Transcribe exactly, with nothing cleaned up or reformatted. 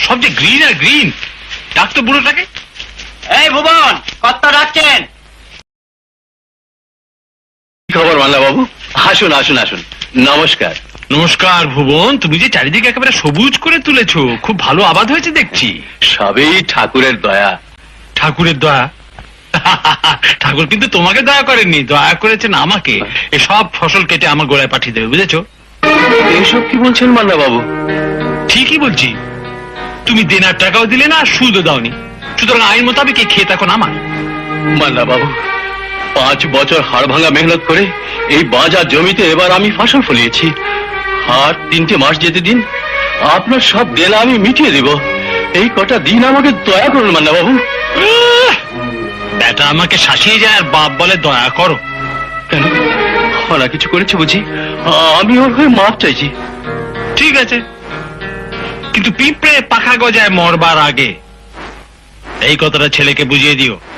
সব যে গ্রিন আর গ্রিন। ডাক তো বুড়োটাকে। এই ভুবন, কর্তা ডাকছেন। খবর মাল্লা বাবু? আসুন আসুন আসুন, নমস্কার। নমস্কার ভুবন, তুমি যে চারিদিকে একেবারে সবুজ করে তুলেছো, খুব ভালো আবাদ হয়েছে দেখছি। সবই ঠাকুরের দয়া। ঠাকুরের দয়া? ঠাকুর কিন্তু তোমাকে দয়া করেননি, দয়া করেছেন আমাকে। এসব ফসল কেটে আমার গোড়ায় পাঠিয়ে দেবে, বুঝেছো? এইসব কি বলছেন মাল্লা বাবু? ঠিকই বলছি। তুমি দেনার টাকাও দিলে না, সুদও দাওনি, সুতরাং আইন মোতাবেক এই ক্ষেত এখন আমার। মাল্লা বাবু, পাঁচ বছর হাড় ভাঙা মেহনত করে এই বাজার জমিতে এবার আমি ফসল ফলিয়েছি। আর তিনটে মাস যেতে দিন, আপনার সব দেনা আমি মিটিয়ে দেব। এই কটা দিন আমাকে দয়া করুন মাল্লা বাবু। এটা আমাকে শাসিয়ে যায় আর বাপ বলে দয়া করো। কেন, ওরা কিছু করেছে বুঝি? আমি ওর হয়ে মাপ চাইছি। ঠিক আছে, কিন্তু পিঁপড়ে পাখা গজায় মরবার আগে এই কথাটা ছেলেকে বুঝিয়ে দিও।